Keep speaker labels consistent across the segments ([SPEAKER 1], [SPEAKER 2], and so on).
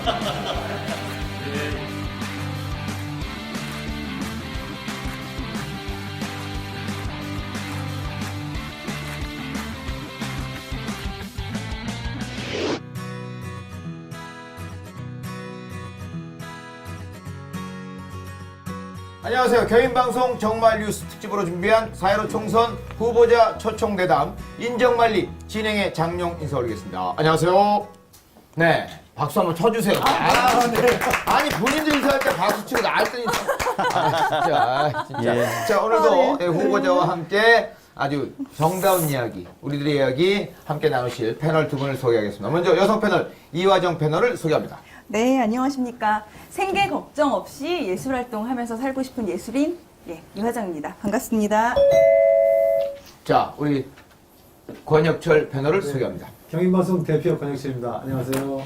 [SPEAKER 1] 안녕하세요. 경인방송 정말 뉴스 특집으로 준비한 4.15 총선 후보자 초청대담 인정말리 진행의 장용 인사 올리겠습니다. 안녕하세요. 네, 박수 한번 쳐주세요. 네. 아니 본인도 인사할 때 박수 치고 나할 때 진짜.
[SPEAKER 2] 예.
[SPEAKER 1] 자, 오늘도 후보자와 함께 아주 정다운 이야기, 우리들의 이야기 함께 나누실 패널 두 분을 소개하겠습니다. 먼저 여성 패널 이화정 패널을 소개합니다.
[SPEAKER 3] 네, 안녕하십니까. 생계 걱정 없이 예술 활동하면서 살고 싶은 예술인 이화정입니다. 반갑습니다.
[SPEAKER 1] 자, 우리 권혁철 패널을 소개합니다.
[SPEAKER 4] 경인방송 대표 권혁철입니다. 안녕하세요.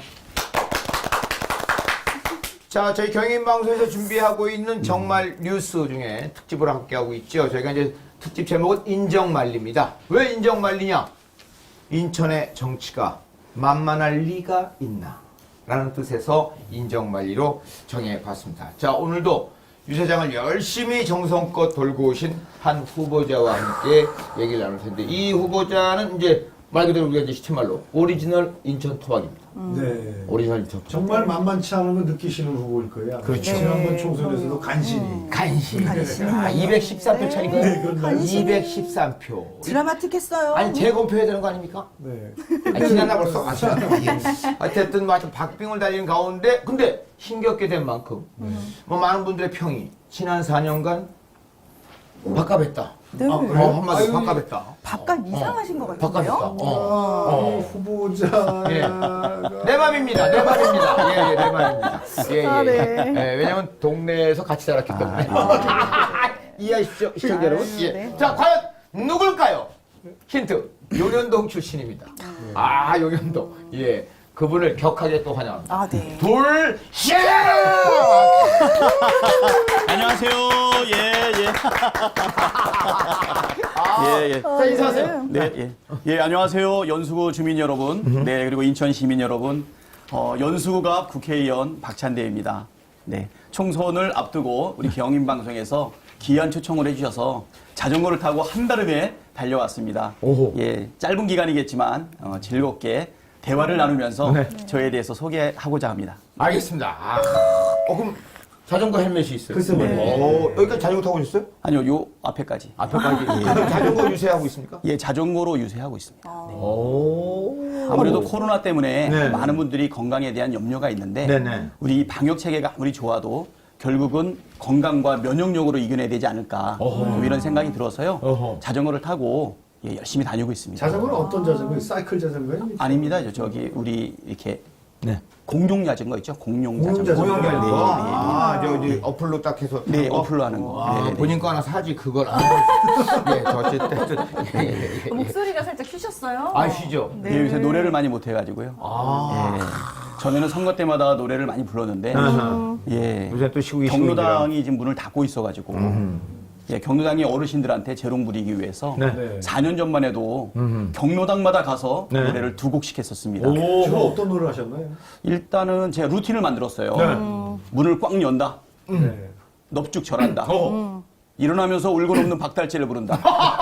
[SPEAKER 1] 자, 저희 경인방송에서 준비하고 있는 정말 뉴스 중에 특집으로 함께하고 있죠. 저희가 이제 특집 제목은 인정말리입니다. 왜 인정말리냐? 인천의 정치가 만만할 리가 있나? 라는 뜻에서 인정말리로 정해봤습니다. 자, 오늘도 유세장을 열심히 정성껏 돌고 오신 한 후보자와 함께 얘기를 나눌 텐데, 이 후보자는 이제 말 그대로 우리가 이제 시체말로 오리지널 인천 토박입니다.
[SPEAKER 4] 네.
[SPEAKER 1] 오리지널 인천 토박.
[SPEAKER 4] 정말 만만치 않은 걸 느끼시는 후보일 거예요.
[SPEAKER 1] 그렇죠.
[SPEAKER 4] 지난번 총선에서도 간신히.
[SPEAKER 1] 간신히.
[SPEAKER 3] 간신히.
[SPEAKER 1] 아, 213표 차이가.
[SPEAKER 4] 네, 그런가요?
[SPEAKER 1] 213표.
[SPEAKER 3] 드라마틱했어요.
[SPEAKER 1] 아니, 재검표해야 되는 거 아닙니까?
[SPEAKER 4] 네.
[SPEAKER 1] 아니, 지났나 벌써? 아, 지났나? 어쨌든, 뭐, 박빙을 달리는 가운데, 근데 힘겹게 된 만큼, 뭐, 많은 분들의 평이 지난 4년간 밥값했다.
[SPEAKER 3] 네.
[SPEAKER 1] 한마디
[SPEAKER 4] 아유,
[SPEAKER 1] 밥값했다.
[SPEAKER 3] 밥값 이상하신 것
[SPEAKER 1] 밥값했다.
[SPEAKER 3] 같은데요?
[SPEAKER 4] 후보자가
[SPEAKER 1] 내 맘입니다. 내 맘입니다. 예, 내 맘입니다. 예,
[SPEAKER 3] 아, 네.
[SPEAKER 1] 예, 왜냐면 동네에서 같이 자랐기 때문에. 이해하십시오, 시청자 여러분. 예.
[SPEAKER 3] 네.
[SPEAKER 1] 자, 과연 누굴까요? 힌트. 용현동 출신입니다. 아, 용현동. 예. 그분을 격하게 또 환영합니다.
[SPEAKER 3] 아, 네.
[SPEAKER 1] 돌샤!
[SPEAKER 2] 안녕하세요. 예, 예. 예, 예.
[SPEAKER 1] 자, 인사하세요.
[SPEAKER 2] 네, 예. 예, 안녕하세요. 연수구 주민 여러분. 네, 그리고 인천 시민 여러분. 연수구갑 국회의원 박찬대입니다. 네. 총선을 앞두고 우리 경인방송에서 귀한 초청을 해주셔서 자전거를 타고 한달음에 달려왔습니다.
[SPEAKER 1] 오호.
[SPEAKER 2] 예, 짧은 기간이겠지만 즐겁게 대화를 나누면서 저에 대해서 소개하고자 합니다.
[SPEAKER 1] 알겠습니다. 아, 그럼 자전거 헬멧이 있어요?
[SPEAKER 4] 글쎄 말이에요.
[SPEAKER 1] 여기까지 자전거 타고 오셨어요?
[SPEAKER 2] 아니요, 요 앞에까지.
[SPEAKER 1] 앞에까지. 그럼 자전거 유세하고 있습니까?
[SPEAKER 2] 예, 자전거로 유세하고 있습니다.
[SPEAKER 1] 오.
[SPEAKER 2] 아무래도 코로나 때문에
[SPEAKER 1] 네.
[SPEAKER 2] 많은 분들이 건강에 대한 염려가 있는데
[SPEAKER 1] 네네.
[SPEAKER 2] 우리 방역 체계가 아무리 좋아도 결국은 건강과 면역력으로 이겨내야 되지 않을까 이런 생각이 들어서요.
[SPEAKER 1] 어허.
[SPEAKER 2] 자전거를 타고 예, 열심히 다니고 있습니다.
[SPEAKER 4] 자전거는 어떤 자전거예요? 사이클 자전거예요?
[SPEAKER 2] 아닙니다. 저기 우리 이렇게
[SPEAKER 1] 네.
[SPEAKER 2] 공룡 자전거 있죠? 공룡
[SPEAKER 4] 공룡
[SPEAKER 2] 자전거.
[SPEAKER 4] 자전거.
[SPEAKER 1] 고용이
[SPEAKER 2] 네,
[SPEAKER 1] 아, 저기 어플로 딱 해서.
[SPEAKER 2] 네,
[SPEAKER 1] 하는 거?
[SPEAKER 2] 어플로 하는 거.
[SPEAKER 1] 아,
[SPEAKER 2] 네, 네.
[SPEAKER 1] 본인 거 하나 사지, 그걸 안 예, 저 어쨌든. 예.
[SPEAKER 3] 목소리가 살짝 쉬셨어요?
[SPEAKER 1] 아시죠?
[SPEAKER 2] 예, 요새 노래를 많이 못 해가지고요.
[SPEAKER 1] 아.
[SPEAKER 2] 예. 전에는 선거 때마다 노래를 많이 불렀는데 예.
[SPEAKER 1] 요새 또 시국이
[SPEAKER 2] 경로당이 지금 문을 닫고 있어가지고 예, 경로당이 어르신들한테 재롱 부리기 위해서
[SPEAKER 4] 네.
[SPEAKER 2] 4년 전만 해도 경로당마다 가서
[SPEAKER 1] 네.
[SPEAKER 2] 노래를 2곡씩 했었습니다.
[SPEAKER 4] 주로 어떤 노래를 하셨나요?
[SPEAKER 2] 일단은 제가 루틴을 만들었어요.
[SPEAKER 1] 네.
[SPEAKER 2] 문을 꽉 연다.
[SPEAKER 4] 네.
[SPEAKER 2] 넙죽 절한다. 일어나면서 울고 넘는 박달재를 부른다.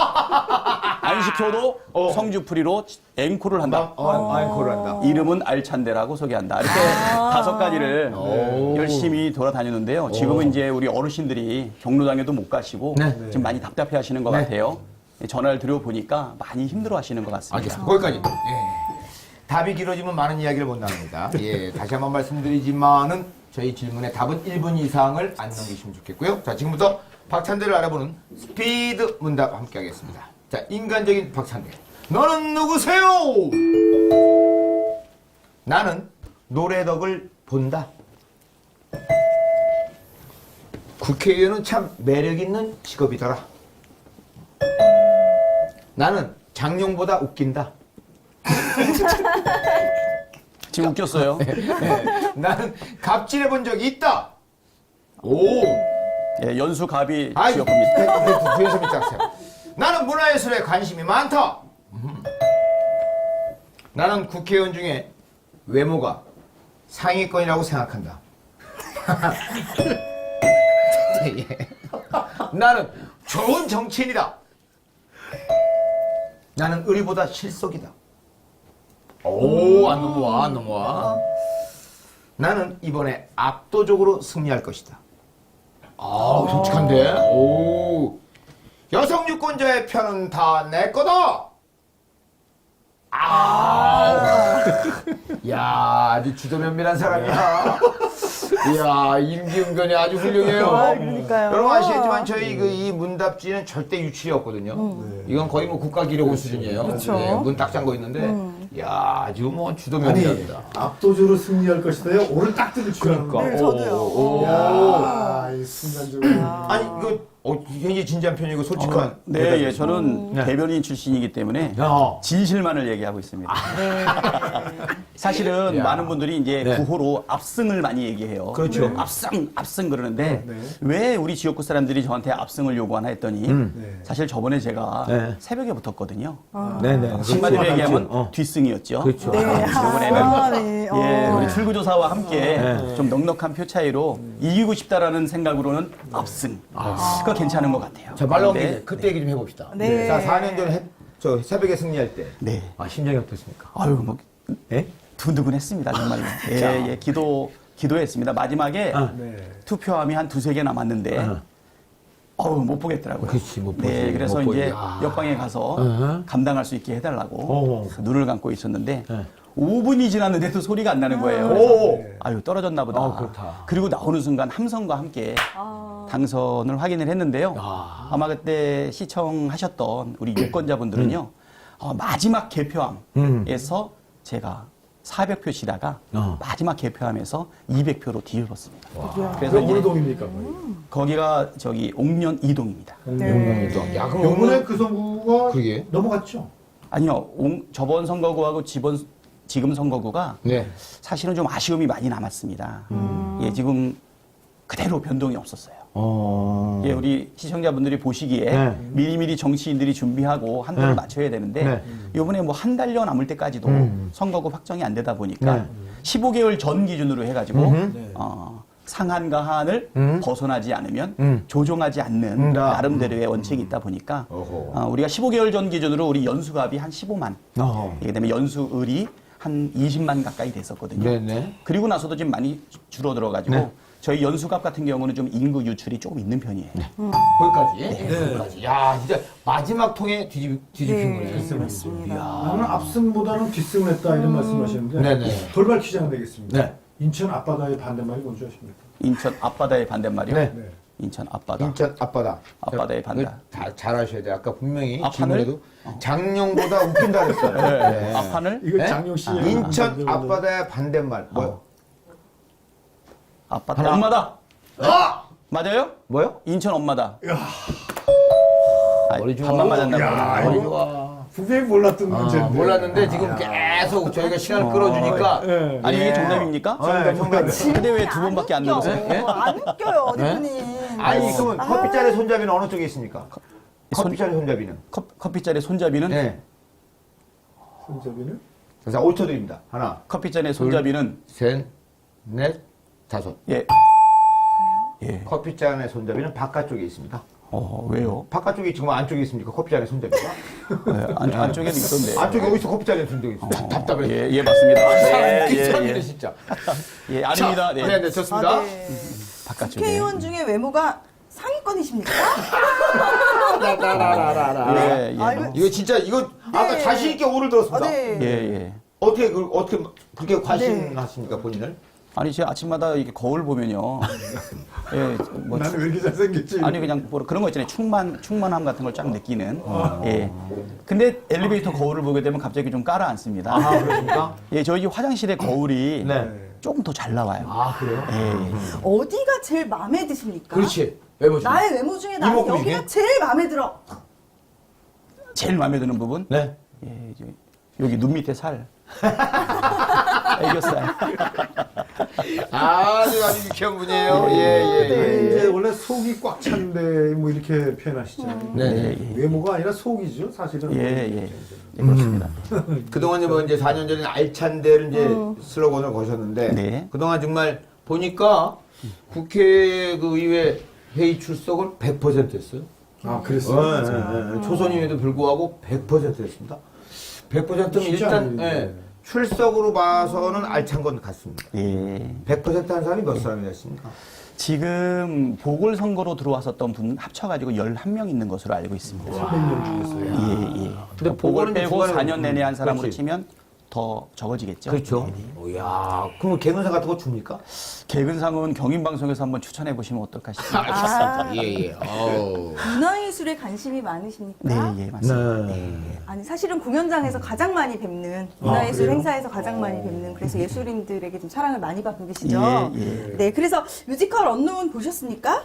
[SPEAKER 2] 안 시켜도 성주풀이로 앵콜을 한다.
[SPEAKER 1] 앵콜을 한다.
[SPEAKER 2] 이름은 알찬데라고 소개한다. 이렇게 5가지를 열심히 돌아다녔는데요. 지금은 이제 우리 어르신들이 경로당에도 못 가시고
[SPEAKER 1] 네.
[SPEAKER 2] 지금 많이 답답해 하시는 것
[SPEAKER 1] 네.
[SPEAKER 2] 같아요. 전화를 드려보니까 많이 힘들어 하시는 것 같습니다.
[SPEAKER 1] 알겠습니다. 거기까지. 예. 답이 길어지면 많은 이야기를 못 나눕니다. 예, 다시 한번 말씀드리지만은 저희 질문에 답은 1분 이상을 안 넘기시면 좋겠고요. 자, 지금부터 박찬대를 알아보는 스피드 문답 함께 하겠습니다. 자, 인간적인 박찬대. 너는 누구세요? 나는 노래덕을 본다. 국회의원은 참 매력있는 직업이더라. 나는 장룡보다 웃긴다.
[SPEAKER 2] 지금 웃겼어요.
[SPEAKER 1] 나는 갑질해 본 적이 있다. 오.
[SPEAKER 2] 예, 연수갑이
[SPEAKER 1] 아이,
[SPEAKER 2] 지역입니다.
[SPEAKER 1] 뒤에서 밑장세요. 나는 문화예술에 관심이 많다. 나는 국회의원 중에 외모가 상위권이라고 생각한다. 예. 나는 좋은 정치인이다. 나는 의리보다 실속이다. 오, 안 넘어와, 안 넘어와. 나는 이번에 압도적으로 승리할 것이다. 아, 정직한데? 오. 여성 유권자의 표는 다 내 거다! 야, 아주 주도면밀한 사람이야. 이야, 임기응변이 아주 훌륭해요.
[SPEAKER 3] 그러니까요.
[SPEAKER 1] 여러분 아시겠지만 저희 이 문답지는 절대 유출이 없거든요. 이건 거의 뭐 국가기록원 수준이에요.
[SPEAKER 3] 그렇죠.
[SPEAKER 1] 네, 문 딱 잠궈 있는데, 야, 아주 뭐
[SPEAKER 4] 아니
[SPEAKER 1] 주도면밀합니다.
[SPEAKER 4] 압도적으로 승리할 것이다요. 오늘 딱 들을 줄 알았는데.
[SPEAKER 3] 네, 저도요.
[SPEAKER 1] 오.
[SPEAKER 4] 야, 이 순간적으로.
[SPEAKER 1] 아니, 이거 굉장히 진지한 편이고 솔직한.
[SPEAKER 2] 네, 예, 저는
[SPEAKER 1] 네.
[SPEAKER 2] 대변인 출신이기 때문에
[SPEAKER 1] 야.
[SPEAKER 2] 진실만을 얘기하고 있습니다. 사실은
[SPEAKER 1] 야.
[SPEAKER 2] 많은 분들이 이제
[SPEAKER 1] 네.
[SPEAKER 2] 구호로 압승을 많이 얘기해요.
[SPEAKER 1] 그렇죠.
[SPEAKER 2] 압승 그러는데
[SPEAKER 4] 네.
[SPEAKER 2] 왜 우리 지역구 사람들이 저한테 압승을 요구하나 했더니
[SPEAKER 4] 네.
[SPEAKER 2] 사실 저번에 제가
[SPEAKER 1] 네.
[SPEAKER 2] 새벽에 붙었거든요.
[SPEAKER 1] 네네.
[SPEAKER 2] 한마디로 얘기하면 뒷승이었죠.
[SPEAKER 1] 그렇죠.
[SPEAKER 3] 네.
[SPEAKER 2] 이번에는
[SPEAKER 3] 네.
[SPEAKER 2] 예,
[SPEAKER 3] 어.
[SPEAKER 2] 우리 출구조사와 함께 좀 넉넉한 표 차이로 이기고 싶다라는 생각으로는 압승. 그거 괜찮은 것 같아요.
[SPEAKER 1] 자, 말 나온
[SPEAKER 2] 그런데
[SPEAKER 1] 김에 그때 얘기 좀 해봅시다.
[SPEAKER 3] 네.
[SPEAKER 1] 자, 4년 전에 저 새벽에 승리할 때.
[SPEAKER 2] 네.
[SPEAKER 1] 아, 심정이 어떻습니까?
[SPEAKER 2] 아유, 뭐
[SPEAKER 1] 예?
[SPEAKER 2] 두근두근했습니다, 정말로. 예, 예, 기도했습니다. 마지막에
[SPEAKER 4] 네.
[SPEAKER 2] 투표함이 한 두세 개 남았는데, 못 보겠더라고요.
[SPEAKER 1] 그렇지, 못 보지.
[SPEAKER 2] 네, 그래서
[SPEAKER 1] 못
[SPEAKER 2] 이제
[SPEAKER 1] 보지. 아.
[SPEAKER 2] 옆방에 가서
[SPEAKER 1] 어허.
[SPEAKER 2] 감당할 수 있게 해달라고
[SPEAKER 1] 어허.
[SPEAKER 2] 눈을 감고 있었는데,
[SPEAKER 1] 네.
[SPEAKER 2] 5분이 지났는데도 소리가 안 나는 거예요.
[SPEAKER 1] 오.
[SPEAKER 2] 그래서 아유, 떨어졌나 보다.
[SPEAKER 1] 아, 그렇다.
[SPEAKER 2] 그리고 나오는 순간 함성과 함께 당선을 확인을 했는데요. 아마 그때 시청하셨던 우리 유권자분들은요, 마지막 개표함에서 제가 400표 치다가 마지막 개표함에서 200표로 뒤집었습니다. 그래서
[SPEAKER 4] 그럼 어느
[SPEAKER 2] 이제
[SPEAKER 4] 동입니까?
[SPEAKER 2] 거기가 저기 옥년 이동입니다.
[SPEAKER 1] 용궁이도. 야, 그럼
[SPEAKER 4] 요번에
[SPEAKER 1] 용궁
[SPEAKER 4] 그 선거가
[SPEAKER 1] 그러게.
[SPEAKER 4] 넘어갔죠?
[SPEAKER 2] 아니요, 저번 선거구하고 지금 선거구가
[SPEAKER 1] 네.
[SPEAKER 2] 사실은 좀 아쉬움이 많이 남았습니다. 예, 지금 그대로 변동이 없었어요. 예, 우리 시청자분들이 보시기에
[SPEAKER 1] 네.
[SPEAKER 2] 미리미리 정치인들이 준비하고 한도를 맞춰야 되는데
[SPEAKER 1] 네.
[SPEAKER 2] 이번에 뭐 한 달여 남을 때까지도 선거구 확정이 안 되다 보니까
[SPEAKER 1] 네.
[SPEAKER 2] 15개월 전 기준으로 해가지고
[SPEAKER 4] 네.
[SPEAKER 2] 상한과 하한을 벗어나지 않으면 조정하지 않는
[SPEAKER 1] 다.
[SPEAKER 2] 나름대로의 원칙이 있다 보니까
[SPEAKER 1] 어허.
[SPEAKER 2] 우리가 15개월 전 기준으로 우리 연수갑이 한 15만, 그다음에 연수을이 한 20만 가까이 됐었거든요.
[SPEAKER 1] 네네.
[SPEAKER 2] 그리고 나서도 지금 많이 줄어들어가지고
[SPEAKER 1] 네.
[SPEAKER 2] 저희 연수갑 같은 경우는 좀 인구 유출이 조금 있는 편이에요.
[SPEAKER 1] 거기까지? 거기까지. 야, 진짜 마지막 통에 뒤집힌 거네.
[SPEAKER 3] 맞습니다.
[SPEAKER 4] 나는 압승보다는 뒷승을 했다 이런 말씀하셨는데
[SPEAKER 1] 네네.
[SPEAKER 4] 돌발 퀴즈가 되겠습니다.
[SPEAKER 1] 네.
[SPEAKER 4] 인천 앞바다의 반대말이 뭔지 아십니까?
[SPEAKER 2] 인천 앞바다의 반대말이요?
[SPEAKER 1] 네.
[SPEAKER 4] 네.
[SPEAKER 2] 인천 앞바다.
[SPEAKER 1] 인천 앞바다.
[SPEAKER 2] 앞바다의 반대.
[SPEAKER 1] 이거 잘 아셔야 돼. 아까 분명히
[SPEAKER 2] 앞하늘?
[SPEAKER 1] 질문에도 장룡보다 웃긴다 그랬어요. 네.
[SPEAKER 2] 앞하늘?
[SPEAKER 4] 이거
[SPEAKER 1] 네?
[SPEAKER 4] 장용 씨의
[SPEAKER 1] 인천 앞바다의 반대말. 뭐요?
[SPEAKER 2] 앞바다.
[SPEAKER 1] 하나.
[SPEAKER 2] 엄마다.
[SPEAKER 1] 아!
[SPEAKER 2] 맞아요?
[SPEAKER 1] 뭐요?
[SPEAKER 2] 인천 엄마다.
[SPEAKER 1] 머리 좋아.
[SPEAKER 2] 반만 맞았나
[SPEAKER 4] 야,
[SPEAKER 2] 보다.
[SPEAKER 1] 머리
[SPEAKER 4] 이거
[SPEAKER 1] 좋아.
[SPEAKER 4] 분명히 몰랐던 문제인데.
[SPEAKER 1] 몰랐는데 지금 계속 저희가 시간을 끌어주니까.
[SPEAKER 4] 네.
[SPEAKER 2] 아니 이게
[SPEAKER 1] 예.
[SPEAKER 2] 정답입니까?
[SPEAKER 1] 네, 정답이에요.
[SPEAKER 2] 근데 왜 두 번밖에 안 넣었어요?
[SPEAKER 3] 안 웃겨요, 대표님.
[SPEAKER 1] 아니, 그러면 커피잔의 손잡이는 어느 쪽에 있습니까? 커피잔의 손잡이는?
[SPEAKER 2] 커피잔의 손잡이는?
[SPEAKER 1] 네.
[SPEAKER 4] 손잡이는?
[SPEAKER 1] 자, 5초 드립니다. 하나,
[SPEAKER 2] 커피잔의 손잡이는?
[SPEAKER 1] 셋, 넷, 다섯.
[SPEAKER 2] 예. 예.
[SPEAKER 1] 커피잔의 손잡이는 바깥쪽에 있습니다.
[SPEAKER 2] 왜요?
[SPEAKER 1] 바깥쪽에 지금 안쪽에 있습니까? 커피잔의 손잡이가?
[SPEAKER 2] 네, 안쪽에도 있던데.
[SPEAKER 1] 안쪽에 어디서 커피잔의 손잡이 있습니다. 답답해.
[SPEAKER 2] 예, 예, 맞습니다.
[SPEAKER 1] 사람
[SPEAKER 2] 예,
[SPEAKER 1] 웃긴
[SPEAKER 2] 예,
[SPEAKER 1] 사람이네,
[SPEAKER 2] 예.
[SPEAKER 1] 진짜.
[SPEAKER 2] 예, 아닙니다. 네.
[SPEAKER 1] 네, 좋습니다.
[SPEAKER 2] 바깥쪽에.
[SPEAKER 3] 국회의원 중에 외모가 상위권이십니까?
[SPEAKER 2] 예, 예.
[SPEAKER 3] 아이고.
[SPEAKER 1] 이거 진짜, 이거 아까
[SPEAKER 3] 네.
[SPEAKER 1] 자신있게 오를 들었습니다.
[SPEAKER 3] 네.
[SPEAKER 2] 예, 예.
[SPEAKER 1] 어떻게 그렇게 과신하십니까, 본인을?
[SPEAKER 2] 아니, 제가 아침마다 이렇게 거울 보면요. 예, 뭐.
[SPEAKER 4] 나는 왜 이렇게 잘생겼지?
[SPEAKER 2] 아니, 그냥 뭐 그런 거 있잖아요. 충만함 같은 걸 쫙 느끼는. 예. 근데 엘리베이터 거울을 보게 되면 갑자기 좀 깔아앉습니다.
[SPEAKER 1] 아, 그렇습니까?
[SPEAKER 2] 예, 저희 화장실의 거울이
[SPEAKER 1] 네.
[SPEAKER 2] 조금 더 잘 나와요.
[SPEAKER 1] 아, 그래요?
[SPEAKER 2] 예, 예.
[SPEAKER 3] 어디가 제일 마음에 드십니까?
[SPEAKER 1] 그렇지. 외모 중.
[SPEAKER 3] 나의 외모 중에 나는
[SPEAKER 1] 이목구
[SPEAKER 3] 여기가
[SPEAKER 1] 중에?
[SPEAKER 3] 제일 마음에 들어.
[SPEAKER 2] 제일 마음에 드는 부분?
[SPEAKER 1] 네.
[SPEAKER 2] 예, 여기 눈 밑에 살. 애교살.
[SPEAKER 1] 아주 유쾌한 분이에요. 예.
[SPEAKER 4] 이제 원래 속이 꽉 찬데 뭐 이렇게 표현하시잖아요.
[SPEAKER 1] 네.
[SPEAKER 4] 외모가 아니라 속이죠, 사실은.
[SPEAKER 2] 예, 그렇습니다.
[SPEAKER 1] 그동안 뭐 이제 4년 전에 알찬 데를 이제 슬로건을 거셨는데
[SPEAKER 2] 네.
[SPEAKER 1] 그동안 정말 보니까 국회 그 의회 회의 출석을 100% 했어요.
[SPEAKER 4] 아, 그랬어요.
[SPEAKER 1] 초선임에도 불구하고 100% 했습니다. 100%면
[SPEAKER 4] 쉽지
[SPEAKER 1] 일단
[SPEAKER 4] 않은데.
[SPEAKER 1] 출석으로 봐서는 알찬 건 같습니다.
[SPEAKER 2] 예.
[SPEAKER 1] 100%한 사람이 몇 사람이 됐습니까?
[SPEAKER 2] 지금 보궐선거로 들어왔었던 분 합쳐가지고 11명 있는 것으로 알고 있습니다.
[SPEAKER 4] 300명 중에서요.
[SPEAKER 2] 예.
[SPEAKER 1] 근데
[SPEAKER 2] 보궐
[SPEAKER 1] 보궐은
[SPEAKER 2] 빼고
[SPEAKER 1] 중간에
[SPEAKER 2] 4년 내내 한 사람으로
[SPEAKER 1] 그렇지.
[SPEAKER 2] 치면 더 적어지겠죠.
[SPEAKER 1] 그렇죠. 이야, 그럼 개근상 같은 거 줍니까?
[SPEAKER 2] 개근상은 경인방송에서 한번 추천해 보시면 어떨까 싶습니다.
[SPEAKER 1] 예.
[SPEAKER 3] 문화예술에 관심이 많으십니까?
[SPEAKER 2] 네, 예, 맞습니다.
[SPEAKER 3] 아니 사실은 공연장에서 가장 많이 뵙는 문화예술
[SPEAKER 4] 그래요?
[SPEAKER 3] 행사에서 가장 많이 뵙는 그래서 예술인들에게 좀 사랑을 많이 받고 계시죠.
[SPEAKER 2] 예.
[SPEAKER 3] 네, 그래서 뮤지컬 언노운 보셨습니까?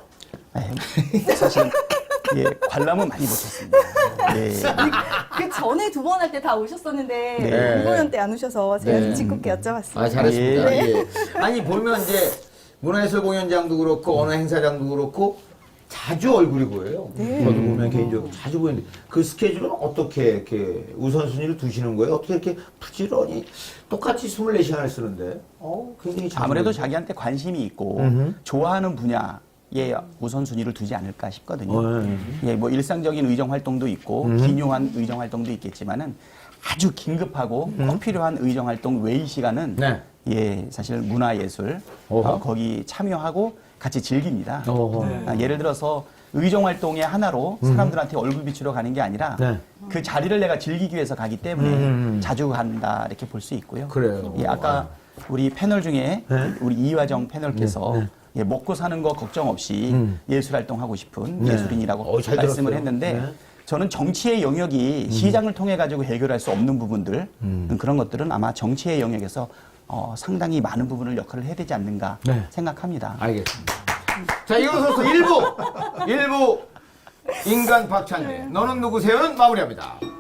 [SPEAKER 2] 사실은 관람은 많이 못했습니다. 예.
[SPEAKER 3] 그 전에 두 번 할 때 다 오셨었는데
[SPEAKER 2] 네.
[SPEAKER 3] 공연 때 안 오셔서 제가
[SPEAKER 1] 네.
[SPEAKER 3] 좀 짓궂게 여쭤봤습니다.
[SPEAKER 1] 아, 잘했습니다.
[SPEAKER 2] 예.
[SPEAKER 1] 예. 아니, 보면 이제 문화예술 공연장도 그렇고 어느 행사장도 그렇고 자주 얼굴이 보여요.
[SPEAKER 3] 네.
[SPEAKER 1] 저도 보면 개인적으로 자주 보이는데 그 스케줄은 어떻게 이렇게 우선순위를 두시는 거예요? 어떻게 이렇게 부지런히 똑같이 24시간을 쓰는데 굉장히 자주
[SPEAKER 2] 아무래도
[SPEAKER 1] 보여요.
[SPEAKER 2] 자기한테 관심이 있고 좋아하는 분야에 우선순위를 두지 않을까 싶거든요. 예, 뭐 일상적인 의정 활동도 있고 기묘한 의정 활동도 있겠지만은 아주 긴급하고 꼭 필요한 의정 활동 외의 시간은
[SPEAKER 1] 네.
[SPEAKER 2] 예, 사실 문화예술 거기 참여하고 같이 즐깁니다. 예를 들어서 의정 활동의 하나로 사람들한테 얼굴 비추러 가는 게 아니라
[SPEAKER 1] 네.
[SPEAKER 2] 그 자리를 내가 즐기기 위해서 가기 때문에 자주 간다 이렇게 볼 수 있고요.
[SPEAKER 1] 그래요.
[SPEAKER 2] 예, 아까 우리 패널 중에 우리 이화정 패널께서 예, 먹고 사는 거 걱정 없이 예술 활동하고 싶은 예술인이라고
[SPEAKER 1] 잘
[SPEAKER 2] 말씀을
[SPEAKER 1] 들었어요.
[SPEAKER 2] 했는데
[SPEAKER 1] 네.
[SPEAKER 2] 저는 정치의 영역이 시장을 통해 가지고 해결할 수 없는 부분들 그런 것들은 아마 정치의 영역에서 상당히 많은 부분을 역할을 해야 되지 않는가 생각합니다.
[SPEAKER 1] 알겠습니다. 자, 이어서 1부 인간 박찬대 너는 누구세요는 마무리합니다.